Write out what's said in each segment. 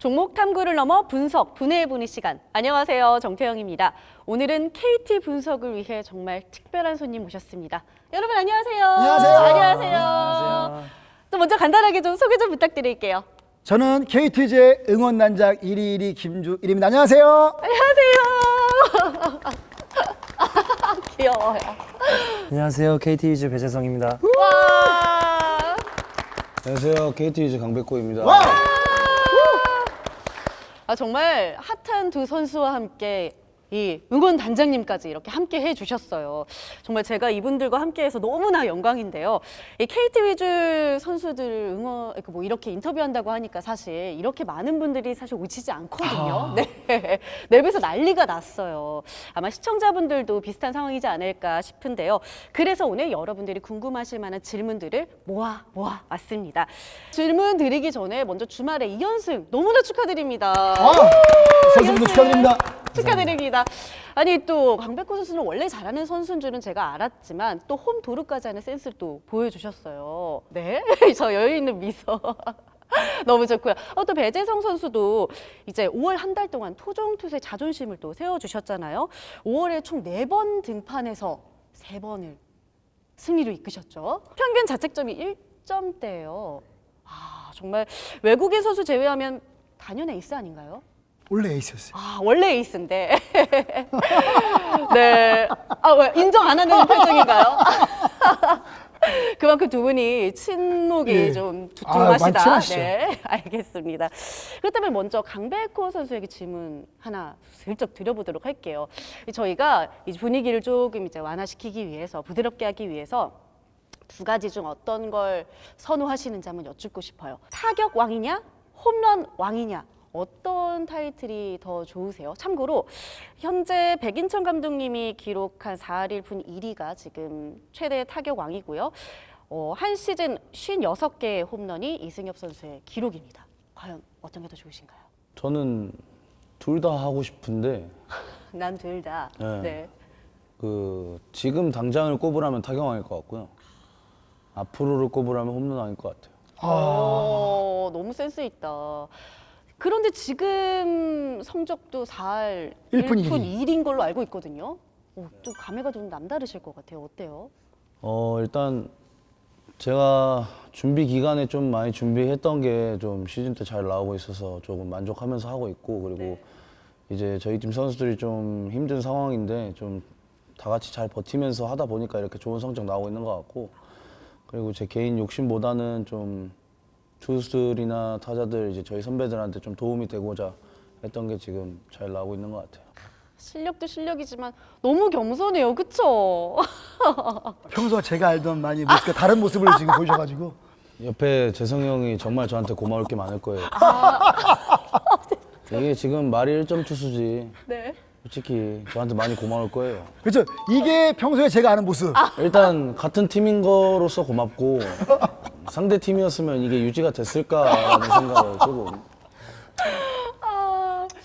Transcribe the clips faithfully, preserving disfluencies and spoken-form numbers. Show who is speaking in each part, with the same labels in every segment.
Speaker 1: 종목 탐구를 넘어 분석, 분해해보는 시간. 안녕하세요, 정태영입니다. 오늘은 케이티 분석을 위해 정말 특별한 손님 모셨습니다. 여러분 안녕하세요.
Speaker 2: 안녕하세요.
Speaker 1: 안녕하세요.
Speaker 2: 안녕하세요.
Speaker 1: 또 먼저 간단하게 좀 소개 좀 부탁드릴게요.
Speaker 2: 저는 케이티제 응원단장 일이일이 김주일입니다. 안녕하세요.
Speaker 1: 안녕하세요. 귀여워요.
Speaker 3: 안녕하세요. 케이티 위즈 배재성입니다.
Speaker 1: 와.
Speaker 4: 안녕하세요. 케이티 위즈 강백호입니다.
Speaker 2: 와!
Speaker 1: 아, 정말 핫한 두 선수와 함께 이 응원 단장님까지 이렇게 함께 해주셨어요. 정말 제가 이분들과 함께해서 너무나 영광인데요. 이 케이티 위즈 선수들 응원 뭐 이렇게 인터뷰한다고 하니까 사실 이렇게 많은 분들이 사실 오시지 않거든요.
Speaker 2: 아.
Speaker 1: 네, 랩에서 난리가 났어요. 아마 시청자분들도 비슷한 상황이지 않을까 싶은데요. 그래서 오늘 여러분들이 궁금하실 만한 질문들을 모아 모아 왔습니다. 질문 드리기 전에 먼저 주말에 이 연승 너무나 축하드립니다.
Speaker 2: 아, 선수분들 축하드립니다.
Speaker 1: 축하드립니다. 아니 또 강백호 선수는 원래 잘하는 선수인 줄은 제가 알았지만 또 홈 도루까지 하는 센스를 또 보여주셨어요. 네, 저 여유 있는 미소. 너무 좋고요. 어, 또 배재성 선수도 이제 오월 한 달 동안 토종 투수의 자존심을 또 세워주셨잖아요. 오월에 총 네 번 등판해서 세 번을 승리로 이끄셨죠. 평균 자책점이 일 점대예요. 아, 정말 외국인 선수 제외하면 단연 에이스 아닌가요?
Speaker 2: 원래 에이스였어요.
Speaker 1: 아, 원래 에이스인데. 네. 아, 왜 인정 안 하는 표정인가요? 그만큼 두 분이 친목이
Speaker 2: 예.
Speaker 1: 좀
Speaker 2: 아, 많이
Speaker 1: 두툼하시다.
Speaker 2: 친하시죠.
Speaker 1: 네, 알겠습니다. 그렇다면 먼저 강백호 선수에게 질문 하나 슬쩍 드려보도록 할게요. 저희가 이 분위기를 조금 이제 완화시키기 위해서, 부드럽게 하기 위해서 두 가지 중 어떤 걸 선호하시는지 한번 여쭙고 싶어요. 타격 왕이냐, 홈런 왕이냐. 어떤 타이틀이 더 좋으세요? 참고로 현재 백인천 감독님이 기록한 사 할 일 분 일 위가 지금 최대 타격 왕이고요. 어, 한 시즌 오십육 개의 홈런이 이승엽 선수의 기록입니다. 과연 어떤 게 더 좋으신가요?
Speaker 4: 저는 둘 다 하고 싶은데
Speaker 1: 난 둘 다.
Speaker 4: 네.
Speaker 1: 네.
Speaker 4: 그 지금 당장을 꼽으라면 타격왕일 것 같고요. 앞으로를 꼽으라면 홈런왕일 것 같아요.
Speaker 1: 어, 너무 센스 있다. 그런데 지금 성적도 사 할
Speaker 2: 일 분
Speaker 1: 일 분
Speaker 2: 일 위.
Speaker 1: 일 위인 걸로 알고 있거든요. 오, 또 감회가 좀 남다르실 것 같아요. 어때요?
Speaker 4: 어 일단 제가 준비 기간에 좀 많이 준비했던 게 좀 시즌 때 잘 나오고 있어서 조금 만족하면서 하고 있고, 그리고
Speaker 1: 네.
Speaker 4: 이제 저희 팀 선수들이 좀 힘든 상황인데 좀 다 같이 잘 버티면서 하다 보니까 이렇게 좋은 성적 나오고 있는 것 같고, 그리고 제 개인 욕심보다는 좀 투수들이나 타자들 이제 저희 선배들한테 좀 도움이 되고자 했던 게 지금 잘 나오고 있는 것 같아요.
Speaker 1: 실력도 실력이지만 너무 겸손해요. 그쵸?
Speaker 2: 평소와 제가 알던 많이 모습과 다른 모습을 지금 보여줘가지고.
Speaker 4: 옆에 재성이 형이 정말 저한테 고마울 게 많을 거예요. 이게 지금 말이 일 점 투수지.
Speaker 1: 네.
Speaker 4: 솔직히 저한테 많이 고마울 거예요.
Speaker 2: 그렇죠. 이게 평소에 제가 아는 모습.
Speaker 4: 일단 같은 팀인 거로서 고맙고, 상대 팀이었으면 이게 유지가 됐을까라는 생각을 조금.
Speaker 1: 아...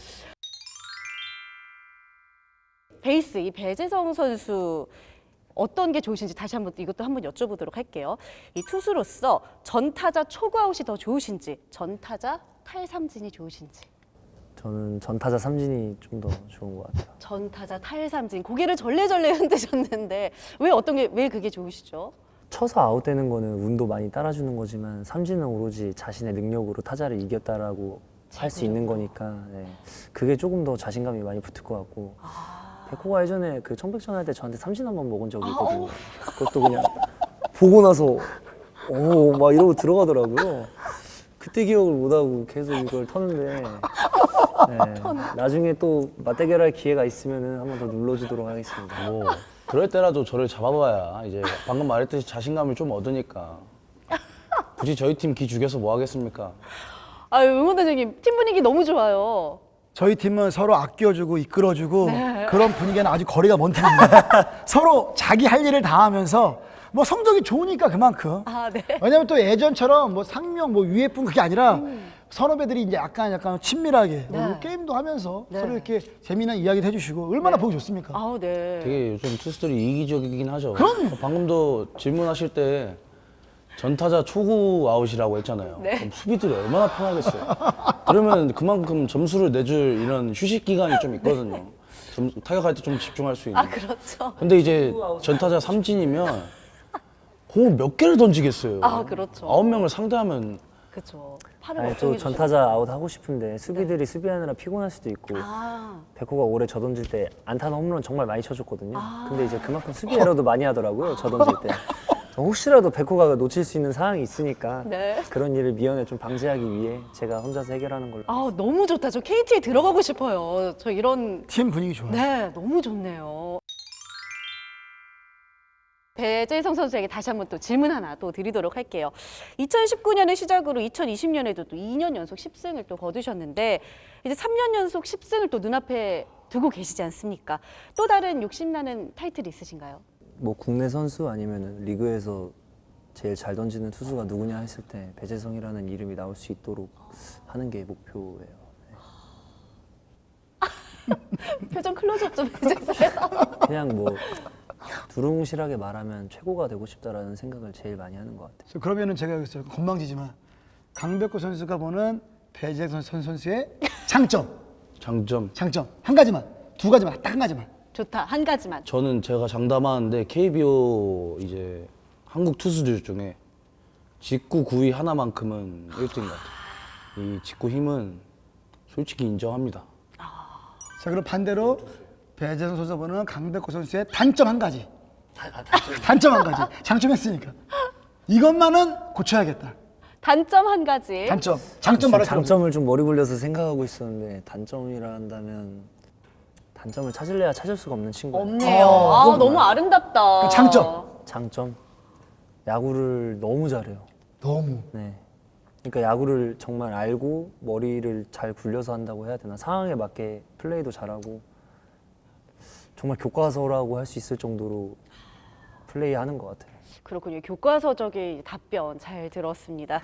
Speaker 1: 베이스 이 배재성 선수 어떤 게 좋으신지 다시 한번 이것도 한번 여쭤보도록 할게요. 이 투수로서 전타자 초구아웃이 더 좋으신지, 전타자 탈삼진이 좋으신지.
Speaker 3: 저는 전타자 삼진이 좀 더 좋은 것 같아요.
Speaker 1: 전타자 탈삼진 고개를 절레절레 흔드셨는데 왜 어떤 게 왜 그게 좋으시죠?
Speaker 3: 쳐서 아웃되는 거는 운도 많이 따라주는 거지만 삼진은 오로지 자신의 능력으로 타자를 이겼다라고 할 수 있는 거니까 네. 그게 조금 더 자신감이 많이 붙을 것 같고 백호가 예전에 그 청백전 할 때 저한테 삼진 한 번 먹은 적이 있거든요. 그것도 그냥 보고 나서 오 막 이러고 들어가더라고요. 그때 기억을 못하고 계속 이걸 터는데 네. 나중에 또 맞대결할 기회가 있으면 한 번 더 눌러주도록 하겠습니다.
Speaker 4: 뭐 그럴 때라도 저를 잡아봐야 이제 방금 말했듯이 자신감을 좀 얻으니까. 굳이 저희 팀 기 죽여서 뭐 하겠습니까?
Speaker 1: 아유, 응원단장님 팀 분위기 너무 좋아요.
Speaker 2: 저희 팀은 서로 아껴주고 이끌어주고 그런 분위기는 아주 거리가 먼 팀입니다. 서로 자기 할 일을 다 하면서 뭐 성적이 좋으니까 그만큼.
Speaker 1: 아, 네.
Speaker 2: 왜냐면 또 예전처럼 뭐 상명 뭐 위에뿐 그게 아니라 음. 선후배들이 이제 약간 약간 친밀하게
Speaker 1: 네.
Speaker 2: 뭐 게임도 하면서
Speaker 1: 네.
Speaker 2: 서로 이렇게 재미난 이야기도 해주시고 얼마나
Speaker 1: 네.
Speaker 2: 보기 좋습니까?
Speaker 1: 아우, 네.
Speaker 4: 되게 요즘 투수들이 이기적이긴 하죠.
Speaker 2: 그럼요.
Speaker 4: 방금도 질문하실 때 전타자 초구 아웃이라고 했잖아요.
Speaker 1: 네.
Speaker 4: 그럼 수비들이 얼마나 편하겠어요. 그러면 그만큼 점수를 내줄 이런 휴식 기간이 좀 있거든요. 점, 타격할 때 좀 집중할 수 있는.
Speaker 1: 아 그렇죠.
Speaker 4: 근데 이제 전타자 삼진이면 공을 몇 개를 던지겠어요.
Speaker 1: 아, 그렇죠.
Speaker 4: 아홉 명을 상대하면
Speaker 1: 그렇죠. 팔을
Speaker 3: 아니, 또
Speaker 1: 걱정해
Speaker 3: 전타자 아웃 하고 싶은데 수비들이 수비하느라 피곤할 수도 있고
Speaker 1: 아,
Speaker 3: 백호가 올해 저 던질 때 안타나 홈런 정말 많이 쳐줬거든요.
Speaker 1: 아.
Speaker 3: 근데 이제 그만큼 수비 에러도 많이 하더라고요. 저 던질 때. 혹시라도 백호가 놓칠 수 있는 상황이 있으니까
Speaker 1: 네.
Speaker 3: 그런 일을 미연에 좀 방지하기 위해 제가 혼자서 해결하는 걸로.
Speaker 1: 아 너무 좋다. 저 케이티에 들어가고 싶어요. 저 이런
Speaker 2: 팀 분위기 좋아요.
Speaker 1: 네, 너무 좋네요. 배재성 선수에게 다시 한번 또 질문 하나 또 드리도록 할게요. 이천십구 년을 시작으로 이천이십 년에도 또 이 년 연속 십 승을 또 거두셨는데 이제 삼 년 연속 십 승을 또 눈앞에 두고 계시지 않습니까? 또 다른 욕심나는 타이틀이 있으신가요?
Speaker 3: 뭐 국내 선수 아니면 리그에서 제일 잘 던지는 투수가 누구냐 했을 때 배재성이라는 이름이 나올 수 있도록 하는 게 목표예요.
Speaker 1: 표정 클로즈업 좀 해주세요.
Speaker 3: 그냥 뭐 두루뭉실하게 말하면 최고가 되고 싶다라는 생각을 제일 많이 하는 것 같아요.
Speaker 2: 그래서 그러면은 제가 여기서 건방지지만 강백호 선수가 보는 배재성 선 선수의 장점,
Speaker 4: 장점.
Speaker 2: 장점 한 가지만, 두 가지만, 딱 한 가지만.
Speaker 1: 좋다. 한 가지만.
Speaker 4: 저는 제가 장담하는데 케이비오 이제 한국 투수들 중에 직구 구위 하나만큼은 일 등인 것 같아요. 이 직구 힘은 솔직히 인정합니다.
Speaker 2: 자 그럼 반대로 배재성 선수 보는 강백호 선수의 단점 한 가지. 단점 한 가지. 장점 했으니까. 이것만은 고쳐야겠다.
Speaker 1: 단점 한 가지.
Speaker 2: 단점. 장점 말할
Speaker 3: 장점을 좀 머리 굴려서 생각하고 있었는데 단점이라 한다면 단점을 찾을래야 찾을 수가 없는 친구예요.
Speaker 1: 없네요.
Speaker 2: 어,
Speaker 1: 아,
Speaker 2: 그건
Speaker 1: 너무 아름답다.
Speaker 2: 그 장점.
Speaker 3: 장점 야구를 너무 잘해요.
Speaker 2: 너무.
Speaker 3: 네. 그러니까 야구를 정말 알고 머리를 잘 굴려서 한다고 해야 되나 상황에 맞게 플레이도 잘하고 정말 교과서라고 할 수 있을 정도로 플레이하는 것 같아요.
Speaker 1: 그렇군요. 교과서적인 답변 잘 들었습니다.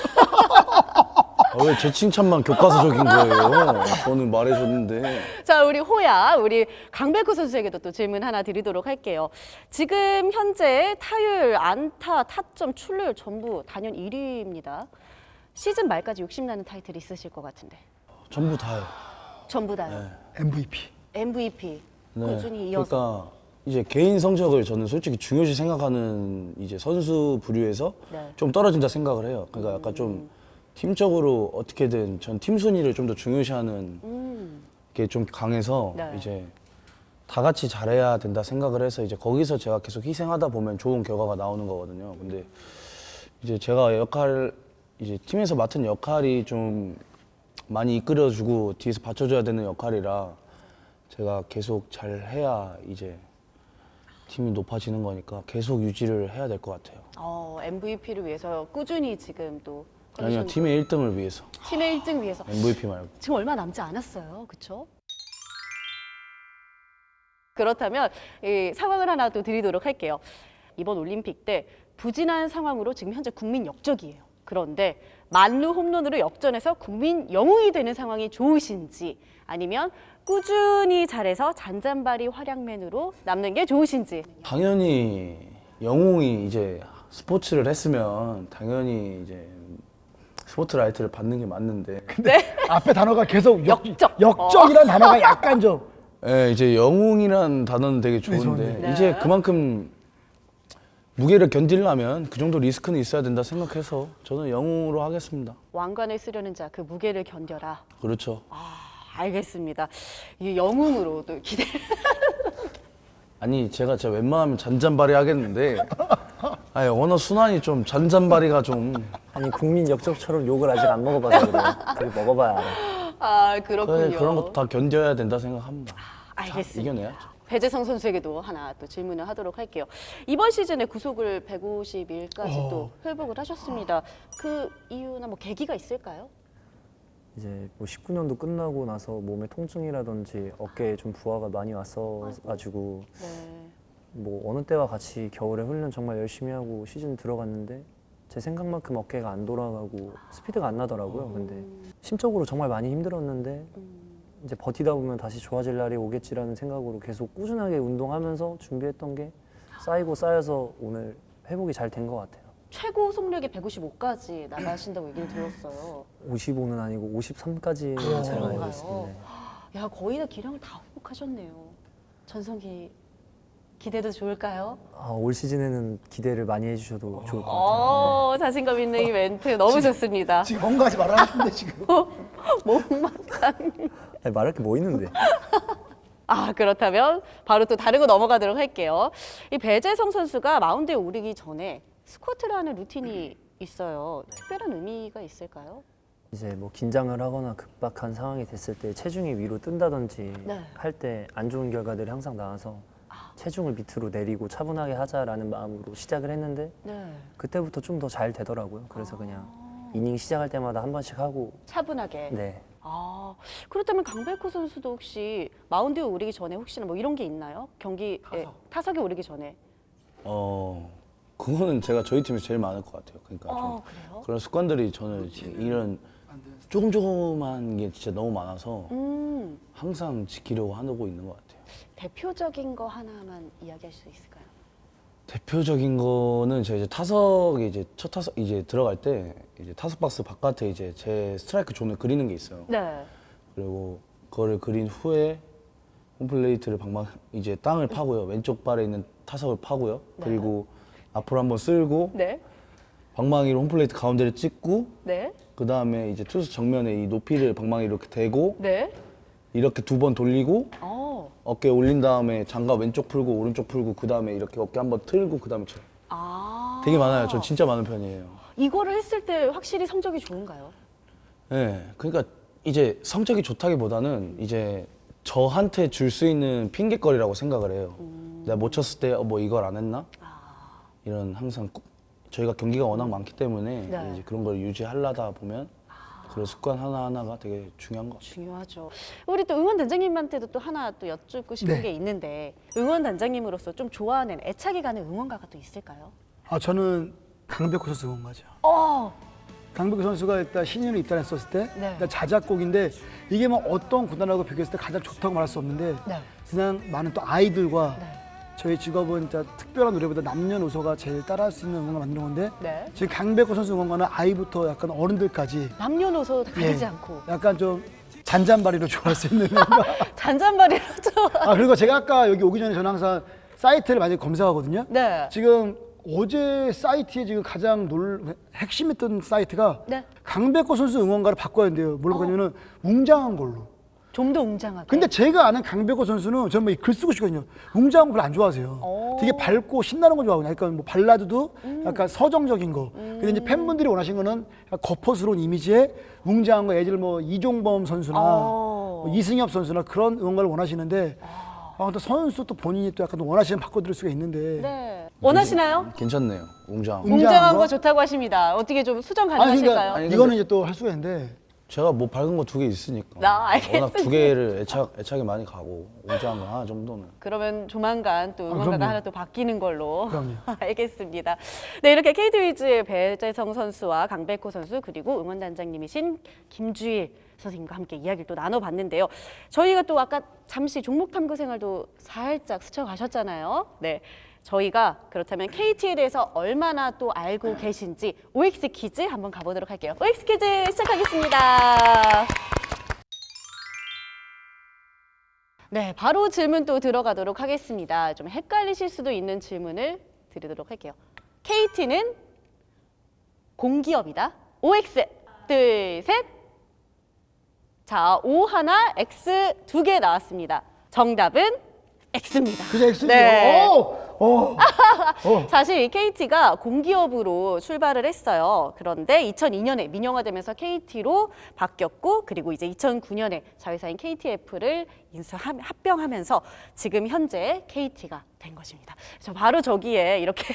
Speaker 4: 아, 왜 제 칭찬만 교과서적인 거예요? 저는 말해줬는데.
Speaker 1: 자, 우리 호야, 우리 강백호 선수에게도 또 질문 하나 드리도록 할게요. 지금 현재 타율, 안타, 타점, 출루율 전부 단연 일 위입니다. 시즌 말까지 욕심나는 타이틀이 있으실 것 같은데.
Speaker 4: 전부 다요.
Speaker 1: 전부 다요.
Speaker 2: 엠브이피.
Speaker 1: 엠브이피
Speaker 4: 네.
Speaker 1: 꾸준히 이어서.
Speaker 4: 그러니까 이제 개인 성적을 저는 솔직히 중요시 생각하는 이제 선수 부류에서
Speaker 1: 네.
Speaker 4: 좀 떨어진다 생각을 해요. 그러니까 약간 좀 팀적으로 어떻게든 전 팀 순위를 좀 더 중요시하는
Speaker 1: 음.
Speaker 4: 게 좀 강해서
Speaker 1: 네.
Speaker 4: 이제 다 같이 잘해야 된다 생각을 해서 이제 거기서 제가 계속 희생하다 보면 좋은 결과가 나오는 거거든요. 근데 이제 제가 역할 이제 팀에서 맡은 역할이 좀 많이 이끌어주고 뒤에서 받쳐줘야 되는 역할이라 제가 계속 잘 해야 이제 팀이 높아지는 거니까 계속 유지를 해야 될 것 같아요.
Speaker 1: 어, 엠브이피를 위해서 꾸준히 지금 또
Speaker 4: 아니요,
Speaker 1: 컨디션-
Speaker 4: 팀의 일 등을 위해서
Speaker 1: 팀의 일 등 위해서
Speaker 4: 엠브이피 말고.
Speaker 1: 지금 얼마 남지 않았어요. 그렇죠? 그렇다면 이 상황을 하나 또 드리도록 할게요. 이번 올림픽 때 부진한 상황으로 지금 현재 국민 역적이에요. 그런데 만루 홈런으로 역전해서 국민 영웅이 되는 상황이 좋으신지 아니면 꾸준히 잘해서 잔잔바리 활약맨으로 남는 게 좋으신지.
Speaker 4: 당연히 영웅이 이제 스포츠를 했으면 당연히 이제 스포트라이트를 받는 게 맞는데
Speaker 1: 네.
Speaker 2: 앞에 단어가 계속 역,
Speaker 1: 역적.
Speaker 2: 역적이라는 단어가 약간 좀
Speaker 4: 예, 이제 영웅이란 단어는 되게 좋은데
Speaker 2: 좋은데.
Speaker 1: 네.
Speaker 4: 이제 그만큼 무게를 견디려면 그 정도 리스크는 있어야 된다 생각해서 저는 영웅으로 하겠습니다.
Speaker 1: 왕관을 쓰려는 자 그 무게를 견뎌라.
Speaker 4: 그렇죠.
Speaker 1: 아, 알겠습니다. 이 영웅으로 또 기대.
Speaker 4: 아니 제가 진짜 웬만하면 잔잔바리 하겠는데 아니 언어 순환이 좀 잔잔바리가 좀
Speaker 3: 아니 국민 역적처럼 욕을 아직 안 먹어봐서 그래요. 그게 먹어봐야 알아.
Speaker 1: 아, 그렇군요.
Speaker 4: 그래, 그런 것도 다 견뎌야 된다 생각합니다.
Speaker 1: 알겠습니다.
Speaker 4: 이겨내야죠.
Speaker 1: 배재성 선수에게도 하나 또 질문을 하도록 할게요. 이번 시즌에 구속을 백오십 일까지
Speaker 2: 어.
Speaker 1: 또 회복을 하셨습니다. 그 이유나 뭐 계기가 있을까요?
Speaker 3: 이제 뭐 십구 년도 끝나고 나서 몸에 통증이라든지 어깨에 좀 부하가 많이 왔어가지고
Speaker 1: 네.
Speaker 3: 뭐 어느 때와 같이 겨울에 훈련 정말 열심히 하고 시즌 들어갔는데 제 생각만큼 어깨가 안 돌아가고 스피드가 안 나더라고요. 근데 심적으로 정말 많이 힘들었는데 이제 버티다 보면 다시 좋아질 날이 오겠지라는 생각으로 계속 꾸준하게 운동하면서 준비했던 게 쌓이고 쌓여서 오늘 회복이 잘 된 것 같아요.
Speaker 1: 최고 속력이 백오십오까지 나가신다고 얘기를 들었어요.
Speaker 3: 오십오는 아니고 오십삼까지 제가 알고 있습니다. 네.
Speaker 1: 야, 거의 다 기량을 다 회복하셨네요. 전성기 기대도 좋을까요?
Speaker 3: 아, 올 시즌에는 기대를 많이 해주셔도 좋을 것 같아요.
Speaker 1: 어, 자신감 있는 이 멘트 너무 좋습니다.
Speaker 2: 지금 뭔가 하지 말았는데 지금.
Speaker 1: 못막상.
Speaker 3: 아니, 말할 게 뭐 있는데.
Speaker 1: 아, 그렇다면 바로 또 다른 거 넘어가도록 할게요. 이 배재성 선수가 마운드에 오르기 전에 스쿼트를 하는 루틴이 있어요. 특별한 의미가 있을까요?
Speaker 3: 이제 뭐 긴장을 하거나 급박한 상황이 됐을 때 체중이 위로 뜬다든지
Speaker 1: 네.
Speaker 3: 할 때 안 좋은 결과들이 항상 나와서 체중을 밑으로 내리고 차분하게 하자라는 마음으로 시작을 했는데
Speaker 1: 네.
Speaker 3: 그때부터 좀 더 잘 되더라고요. 그래서 그냥 이닝 시작할 때마다 한 번씩 하고
Speaker 1: 차분하게.
Speaker 3: 네.
Speaker 1: 아, 그렇다면 강백호 선수도 혹시 마운드에 오르기 전에 혹시나 뭐 이런 게 있나요? 경기에 타석에 오르기 전에.
Speaker 4: 어 그거는 제가 저희 팀에서 제일 많을 것 같아요. 그러니까 좀
Speaker 1: 어, 그래요?
Speaker 4: 그런 습관들이 저는 이제 이런 조금 조금한 게 진짜 너무 많아서
Speaker 1: 음,
Speaker 4: 항상 지키려고 하고 있는 것 같아요.
Speaker 1: 대표적인 거 하나만 이야기할 수 있을까요?
Speaker 4: 대표적인 거는 제가 이제 타석에 이제 첫 타석 이제 들어갈 때 이제 타석 박스 바깥에 이제 제 스트라이크 존을 그리는 게 있어요.
Speaker 1: 네.
Speaker 4: 그리고 그거를 그린 후에 홈플레이트를 방망 이제 땅을 파고요. 왼쪽 발에 있는 타석을 파고요.
Speaker 1: 네.
Speaker 4: 그리고 앞으로 한번 쓸고
Speaker 1: 네.
Speaker 4: 방망이로 홈플레이트 가운데를 찍고
Speaker 1: 네.
Speaker 4: 그 다음에 이제 투수 정면에 이 높이를 방망이 이렇게 대고
Speaker 1: 네.
Speaker 4: 이렇게 두 번 돌리고
Speaker 1: 어.
Speaker 4: 어깨 올린 다음에 장갑 왼쪽 풀고 오른쪽 풀고 그 다음에 이렇게 어깨 한번 틀고 그 다음에 쳐요.
Speaker 1: 아.
Speaker 4: 되게 많아요. 전 진짜 많은 편이에요.
Speaker 1: 이거를 했을 때 확실히 성적이 좋은가요?
Speaker 4: 네, 그러니까 이제 성적이 좋다기보다는 이제 저한테 줄 수 있는 핑계거리라고 생각을 해요.
Speaker 1: 음.
Speaker 4: 내가 못 쳤을 때 뭐 이걸 안 했나?
Speaker 1: 아.
Speaker 4: 이런 항상 꾸- 저희가 경기가 워낙 많기 때문에
Speaker 1: 네.
Speaker 4: 이제 그런 걸 유지하려다 보면 그런 습관 하나하나가 되게 중요한 것 같아요.
Speaker 1: 중요하죠. 우리 또 응원 단장님한테도 또 하나 또 여쭙고 싶은
Speaker 2: 네.
Speaker 1: 게 있는데 응원 단장님으로서 좀 좋아하는 애착이 가는 응원가가 또 있을까요?
Speaker 2: 아 저는 강백호 선수 응원가죠.
Speaker 1: 어.
Speaker 2: 강백호 선수가 일단 신인으로 입단했었을 때
Speaker 1: 네.
Speaker 2: 일단 자작곡인데 이게 뭐 어떤 구단하고 비교했을 때 가장 좋다고 말할 수 없는데
Speaker 1: 네.
Speaker 2: 그냥 많은 또 아이들과
Speaker 1: 네.
Speaker 2: 저희 직업은 진짜 특별한 노래보다 남녀노소가 제일 따라할 수 있는 응원을 만드는 건데
Speaker 1: 네.
Speaker 2: 지금 강백호 선수 응원가는 아이부터 약간 어른들까지
Speaker 1: 남녀노소 다 가리지
Speaker 2: 예,
Speaker 1: 않고
Speaker 2: 약간 좀 잔잔바리로 좋아할 수 있는 응원가.
Speaker 1: 잔잔바리로죠.
Speaker 2: 아 그리고 제가 아까 여기 오기 전에 저는 항상 사이트를 많이 검색하거든요.
Speaker 1: 네.
Speaker 2: 지금 어제 사이트에 지금 가장 놀 핵심했던 사이트가
Speaker 1: 네.
Speaker 2: 강백호 선수 응원가를 바꿔야 된대요. 뭘 바꾸냐면은 웅장한 걸로.
Speaker 1: 좀 더 웅장하게.
Speaker 2: 근데 제가 아는 강백호 선수는 저는 뭐글 쓰고 싶거든요. 웅장한 거 별로 안 좋아하세요.
Speaker 1: 오.
Speaker 2: 되게 밝고 신나는 거 좋아하거든요. 약간 뭐 발라드도 약간 서정적인 거. 근데 이제 팬분들이 원하신 거는 약간 거포스러운 이미지의 웅장한 거. 예를 들어 뭐 이종범 선수나
Speaker 1: 오.
Speaker 2: 뭐 이승엽 선수나 그런 응원가를 원하시는데 아, 또 선수 또 본인이 또 약간 원하시면 바꿔드릴 수가 있는데.
Speaker 1: 네. 원하시나요?
Speaker 4: 괜찮네요. 웅장.
Speaker 2: 웅-
Speaker 1: 웅장한
Speaker 2: 거?
Speaker 1: 거 좋다고 하십니다. 어떻게 좀 수정
Speaker 2: 아니
Speaker 1: 가능하실까요?
Speaker 2: 그러니까
Speaker 4: 아니, 근데-
Speaker 2: 이거는 이제 또 할 수가 있는데
Speaker 4: 제가 뭐 밝은 거 두 개 있으니까.
Speaker 1: 나 알겠습니다.
Speaker 4: 워낙 두 개를 애착 애착이 많이 가고 웅장한 거 하나 정도는.
Speaker 1: 그러면 조만간 또 응원가가
Speaker 2: 그럼요.
Speaker 1: 하나 또 바뀌는 걸로.
Speaker 2: 그럼요.
Speaker 1: 알겠습니다. 네, 이렇게 케이티 위즈의 배재성 선수와 강백호 선수 그리고 응원단장님이신 김주일 선생님과 함께 이야기를 또 나눠봤는데요. 저희가 또 아까 잠시 종목 탐구 생활도 살짝 스쳐가셨잖아요. 네. 저희가 그렇다면 케이티에 대해서 얼마나 또 알고 계신지 오엑스 퀴즈 한번 가보도록 할게요. 오엑스 퀴즈 시작하겠습니다. 네, 바로 질문 또 들어가도록 하겠습니다. 좀 헷갈리실 수도 있는 질문을 드리도록 할게요. 케이티는 공기업이다. 오엑스 둘, 셋. 자, O 하나, X 두 개 나왔습니다. 정답은 X입니다.
Speaker 2: 그저 X죠.
Speaker 1: 네.
Speaker 2: 오! 오!
Speaker 1: 사실 이 케이티가 공기업으로 출발을 했어요. 그런데 이천이 년에 민영화되면서 케이티로 바뀌었고 그리고 이제 이천구 년에 자회사인 케이티에프를 인수 합병하면서 지금 현재 케이티가 된 것입니다. 저 바로 저기에 이렇게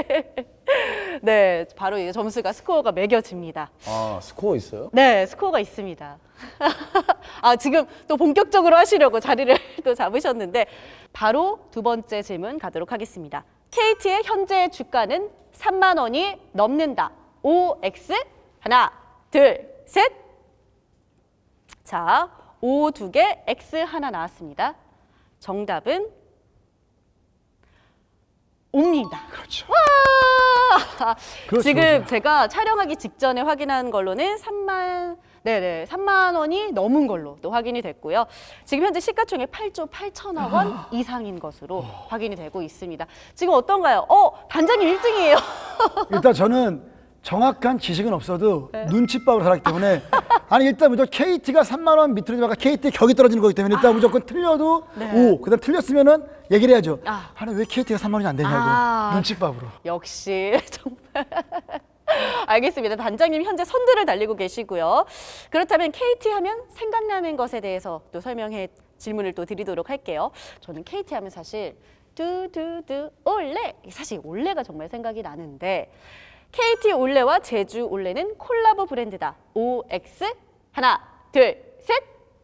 Speaker 1: 네, 바로 이제 점수가 스코어가 매겨집니다.
Speaker 4: 아 스코어 있어요?
Speaker 1: 네, 스코어가 있습니다. 아, 지금 또 본격적으로 하시려고 자리를 또 잡으셨는데 바로 두 번째 질문 가도록 하겠습니다. 케이티의 현재 주가는 삼만 원이 넘는다. 오엑스 하나, 둘, 셋. 자, O 두 개, X 하나 나왔습니다. 정답은 O입니다.
Speaker 2: 그렇죠.
Speaker 1: 와!
Speaker 2: 그렇죠,
Speaker 1: 지금
Speaker 2: 그렇죠.
Speaker 1: 제가 촬영하기 직전에 확인한 걸로는 삼만 네네 삼만 원이 넘은 걸로 또 확인이 됐고요. 지금 현재 시가총액 팔조 팔천억 원 이상인 것으로 확인이 되고 있습니다. 지금 어떤가요? 어 단장님 일 등이에요.
Speaker 2: 일단 저는 정확한 지식은 없어도
Speaker 1: 네.
Speaker 2: 눈치밥으로 살았기 때문에 아니 일단 무조건 케이티가 삼만 원 밑으로 지나가 케이티 격이 떨어지는 거기 때문에 일단 무조건 틀려도
Speaker 1: 네.
Speaker 2: 오, 그다음 틀렸으면은 얘기를 해야죠.
Speaker 1: 아.
Speaker 2: 아니 왜 케이티가 삼만 원이 안 되냐고
Speaker 1: 아.
Speaker 2: 눈치밥으로.
Speaker 1: 역시 정말 알겠습니다. 단장님 현재 선두를 달리고 계시고요. 그렇다면 케이티 하면 생각나는 것에 대해서 또 설명해 질문을 또 드리도록 할게요. 저는 케이티 하면 사실 두두두 올레 사실 올레가 정말 생각이 나는데 케이티 올레와 제주 올레는 콜라보 브랜드다. 오엑스 하나 둘 셋.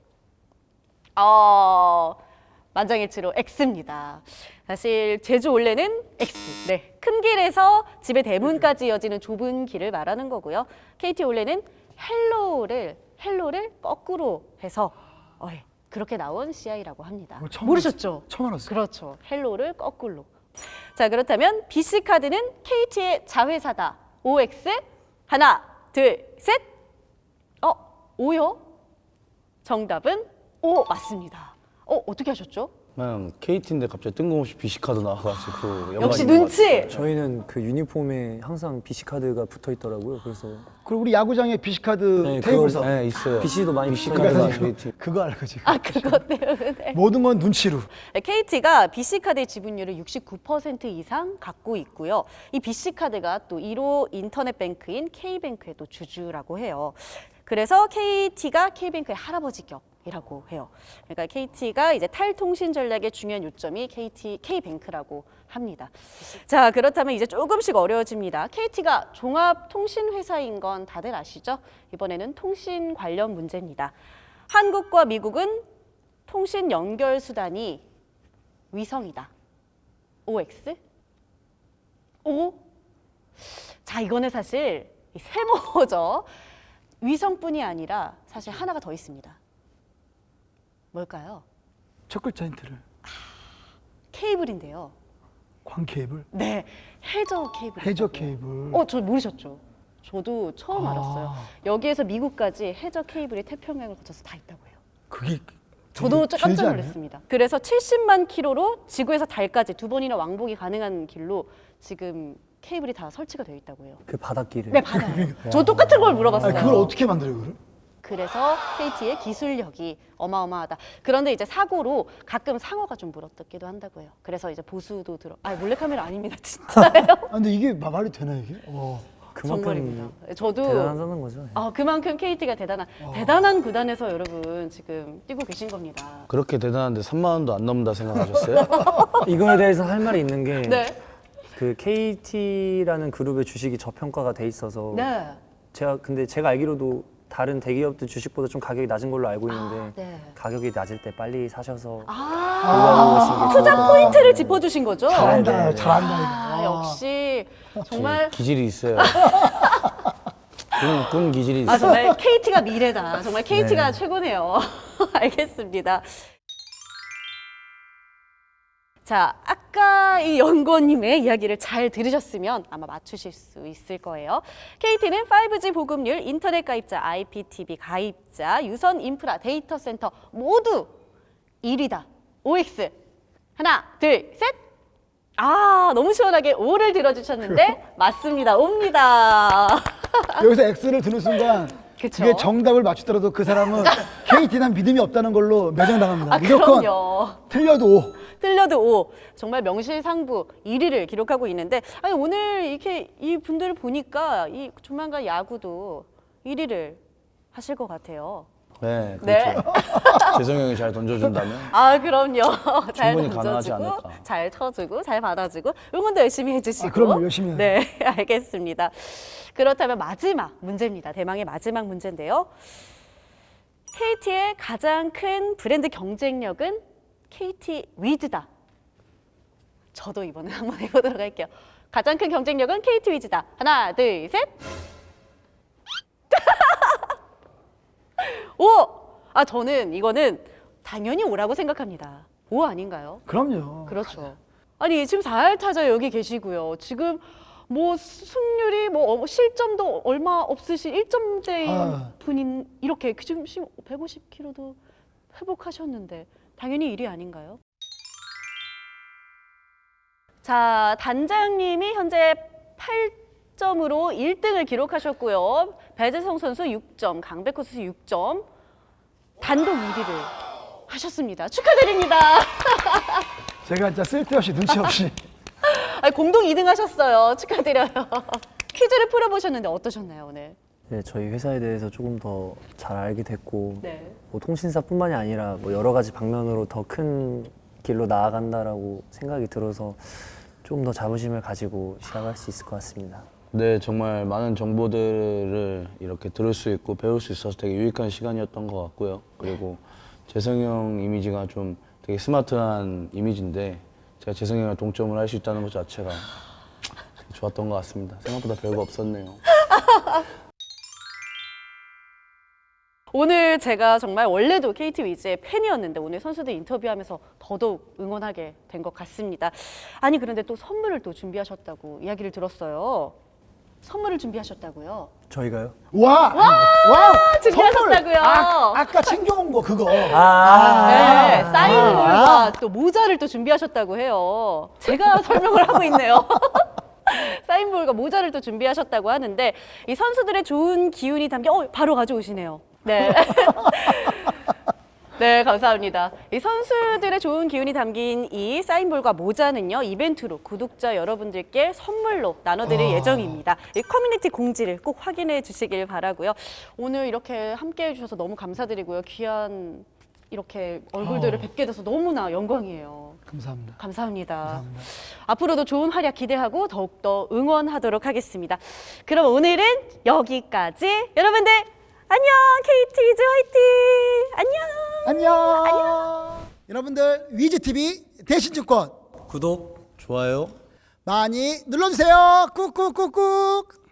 Speaker 1: 어 만장일치로 X입니다. 사실 제주 올레는 X. 네, 큰 길에서 집의 대문까지 이어지는 좁은 길을 말하는 거고요. 케이티 올레는 헬로를 헬로를 거꾸로 해서 어, 예, 그렇게 나온 씨아이라고 합니다.
Speaker 2: 어, 처음
Speaker 1: 모르셨죠?
Speaker 2: 알았어요. 처음 알았어요.
Speaker 1: 그렇죠. 헬로를 거꾸로. 자, 그렇다면 비씨 카드는 케이티의 자회사다. 오엑스 하나 둘 셋. 어, 오요? 정답은 오 맞습니다. 어, 어떻게 하셨죠?
Speaker 4: 그냥 케이티인데 갑자기 뜬금없이 비씨카드 나와가지고 연관이
Speaker 1: 역시
Speaker 4: 있는 것
Speaker 1: 눈치.
Speaker 4: 같아요.
Speaker 3: 저희는 그 유니폼에 항상 비씨 카드가 붙어 있더라고요. 그래서
Speaker 2: 그리고 우리 야구장에 비씨카드
Speaker 3: 네,
Speaker 2: 테이블에서
Speaker 3: 그거-
Speaker 4: 네, 있어요.
Speaker 3: 비씨도 많이
Speaker 4: 비씨
Speaker 3: 붙어
Speaker 4: 카드가
Speaker 3: 있어요.
Speaker 4: 케이티.
Speaker 2: 그거 알고 지금
Speaker 1: 아, 그것 때문에.
Speaker 2: 모든 건 눈치로.
Speaker 1: 케이티가 비씨 카드의 지분율을 육십구 퍼센트 이상 갖고 있고요. 이 비씨 카드가 또 일 호 인터넷 뱅크인 K뱅크의 또 주주라고 해요. 그래서 케이티가 K뱅크의 할아버지 격이라고 해요. 그러니까 케이티가 이제 탈통신 전략의 중요한 요점이 케이티 K뱅크라고 합니다. 자, 그렇다면 이제 조금씩 어려워집니다. 케이티가 종합통신회사인 건 다들 아시죠? 이번에는 통신 관련 문제입니다. 한국과 미국은 통신 연결 수단이 위성이다. 오엑스? 오? 자, 이거는 사실 이 세모죠. 위성뿐이 아니라 사실 하나가 더 있습니다. 뭘까요?
Speaker 2: 첫 글자 힌트를.
Speaker 1: 케이블인데요.
Speaker 2: 광 케이블,
Speaker 1: 네, 해저 케이블.
Speaker 2: 해저 케이블.
Speaker 1: 어, 저 모르셨죠? 저도 처음
Speaker 2: 아.
Speaker 1: 알았어요. 여기에서 미국까지 해저 케이블이 태평양을 거쳐서 다 있다고 해요.
Speaker 2: 그게
Speaker 1: 저도
Speaker 2: 되게
Speaker 1: 깜짝
Speaker 2: 길지 않아요?
Speaker 1: 놀랐습니다. 그래서 칠십만 킬로로 지구에서 달까지 두 번이나 왕복이 가능한 길로 지금 케이블이 다 설치가 되어 있다고 해요.
Speaker 3: 그 바닷길에.
Speaker 1: 네, 받아요. 저 똑같은 걸 물어봤어요.
Speaker 2: 아니, 그걸 어떻게 만들어요, 그걸?
Speaker 1: 그래서 케이티의 기술력이 어마어마하다. 그런데 이제 사고로 가끔 상어가 좀 물어뜯기도 한다고 해요. 그래서 이제 보수도 들어. 아, 몰래카메라 아닙니다, 진짜요.
Speaker 2: 아, 근데 이게 마- 말이 되나 이게? 어.
Speaker 3: 그만큼
Speaker 1: 정말입니다. 저도
Speaker 3: 대단하다는 거죠. 네.
Speaker 1: 아, 그만큼 케이티가 대단한 대단한 구단에서 여러분 지금 뛰고 계신 겁니다.
Speaker 4: 그렇게 대단한데 삼만 원도 안 넘는다 생각하셨어요?
Speaker 3: 이거에 대해서 할 말이 있는 게
Speaker 1: 네,
Speaker 3: 그 케이티라는 그룹의 주식이 저평가가 돼 있어서
Speaker 1: 네,
Speaker 3: 제가 근데 제가 알기로도 다른 대기업들 주식보다 좀 가격이 낮은 걸로 알고 있는데
Speaker 1: 아, 네.
Speaker 3: 가격이 낮을 때 빨리 사셔서
Speaker 1: 아,
Speaker 3: 보시는 게
Speaker 1: 투자
Speaker 3: 좋을 것
Speaker 1: 포인트를 짚어주신 거죠?
Speaker 2: 잘한다,
Speaker 3: 네, 네.
Speaker 2: 잘한다
Speaker 1: 아,
Speaker 2: 이거.
Speaker 1: 역시 정말
Speaker 4: 기질이 있어요. 군, 군 기질이 있어요.
Speaker 1: 아 정말 케이티가 미래다. 정말 케이티가
Speaker 3: 네.
Speaker 1: 최고네요. 알겠습니다. 자, 아까 이 연구원님의 이야기를 잘 들으셨으면 아마 맞추실 수 있을 거예요. 케이티는 파이브지 보급률, 인터넷 가입자, 아이피티비 가입자, 유선 인프라, 데이터 센터 모두 일 위다. 오엑스. 하나, 둘, 셋. 아, 너무 시원하게 오를 들어주셨는데 맞습니다. 옵니다.
Speaker 2: 여기서 X를 드는 순간
Speaker 1: 그쵸.
Speaker 2: 그게 정답을 맞추더라도 그 사람은 케이티에 대한 믿음이 없다는 걸로 매장당합니다.
Speaker 1: 아,
Speaker 2: 무조건
Speaker 1: 그럼요.
Speaker 2: 틀려도 오.
Speaker 1: 틀려도 오. 정말 명실상부 일 위를 기록하고 있는데 아니 오늘 이렇게 이 분들을 보니까 이 조만간 야구도 일 위를 하실 것 같아요.
Speaker 4: 네,
Speaker 1: 네.
Speaker 4: 그렇죠. 재성 형이 잘 던져준다면
Speaker 1: 아 그럼요. 잘
Speaker 4: 충분히 가능하지
Speaker 1: 던져주고
Speaker 4: 않을까.
Speaker 1: 잘 쳐주고 잘 받아주고 응원도 열심히 해주시고.
Speaker 2: 아, 그럼요. 열심히 해요.
Speaker 1: 네, 알겠습니다. 그렇다면 마지막 문제입니다. 대망의 마지막 문제인데요. 케이티의 가장 큰 브랜드 경쟁력은 케이티 위즈다. 저도 이번에 한번 해보도록 할게요. 가장 큰 경쟁력은 케이티 위즈다. 하나, 둘, 셋. 오! 아 저는 이거는 당연히 오라고 생각합니다. 오 아닌가요?
Speaker 2: 그럼요.
Speaker 1: 그렇죠. 아니 지금 사 할 타자 여기 계시고요. 지금 뭐 승률이 뭐 어, 실점도 얼마 없으신 일 점대인
Speaker 2: 아.
Speaker 1: 분인 이렇게 지금 백오십 킬로그램도 회복하셨는데 당연히 일 위 아닌가요? 자, 단장님이 현재 팔 점으로 일 등을 기록하셨고요. 배재성 선수 육 점, 강백호 선수 육 점, 단독 일 위를 하셨습니다. 축하드립니다.
Speaker 2: 제가 진짜 쓸데없이 눈치 없이
Speaker 1: 아니, 공동 이 등 하셨어요. 축하드려요. 퀴즈를 풀어보셨는데 어떠셨나요, 오늘?
Speaker 3: 네, 저희 회사에 대해서 조금 더 잘 알게 됐고
Speaker 1: 네.
Speaker 3: 뭐 통신사뿐만이 아니라 뭐 여러 가지 방면으로 더 큰 길로 나아간다라고 생각이 들어서 조금 더 자부심을 가지고 시작할 수 있을 것 같습니다.
Speaker 4: 네, 정말 많은 정보들을 이렇게 들을 수 있고 배울 수 있어서 되게 유익한 시간이었던 것 같고요. 그리고 재성이 형 이미지가 좀 되게 스마트한 이미지인데 제가 재성이 형이랑 동점을 할 수 있다는 것 자체가 좋았던 것 같습니다. 생각보다 별거 없었네요.
Speaker 1: 오늘 제가 정말 원래도 케이티 위즈의 팬이었는데 오늘 선수들 인터뷰하면서 더더욱 응원하게 된 것 같습니다. 아니 그런데 또 선물을 또 준비하셨다고 이야기를 들었어요. 선물을 준비하셨다고요?
Speaker 3: 저희가요?
Speaker 2: 와! 와!
Speaker 1: 준비하셨다고요?
Speaker 2: 선물! 아, 아까 챙겨온 거 그거.
Speaker 3: 아,
Speaker 1: 네, 사인볼과 또 모자를 또 준비하셨다고 해요. 제가 설명을 하고 있네요. 사인볼과 모자를 또 준비하셨다고 하는데 이 선수들의 좋은 기운이 담겨 어, 바로 가져오시네요. 네. 네, 감사합니다. 이 선수들의 좋은 기운이 담긴 이 사인볼과 모자는요, 이벤트로 구독자 여러분들께 선물로 나눠드릴 예정입니다. 이 커뮤니티 공지를 꼭 확인해 주시길 바라고요. 오늘 이렇게 함께 해주셔서 너무 감사드리고요. 귀한 이렇게 얼굴들을
Speaker 2: 어.
Speaker 1: 뵙게 돼서 너무나 영광이에요.
Speaker 2: 감사합니다.
Speaker 1: 감사합니다.
Speaker 2: 감사합니다.
Speaker 1: 앞으로도 좋은 활약 기대하고 더욱더 응원하도록 하겠습니다. 그럼 오늘은 여기까지. 여러분들 안녕! 케이티 위즈 화이팅! 안녕!
Speaker 2: 안녕. 여러분들 위즈티비 대신증권
Speaker 3: 구독
Speaker 4: 좋아요.
Speaker 2: 많이 눌러주세요. 꾹꾹꾹꾹.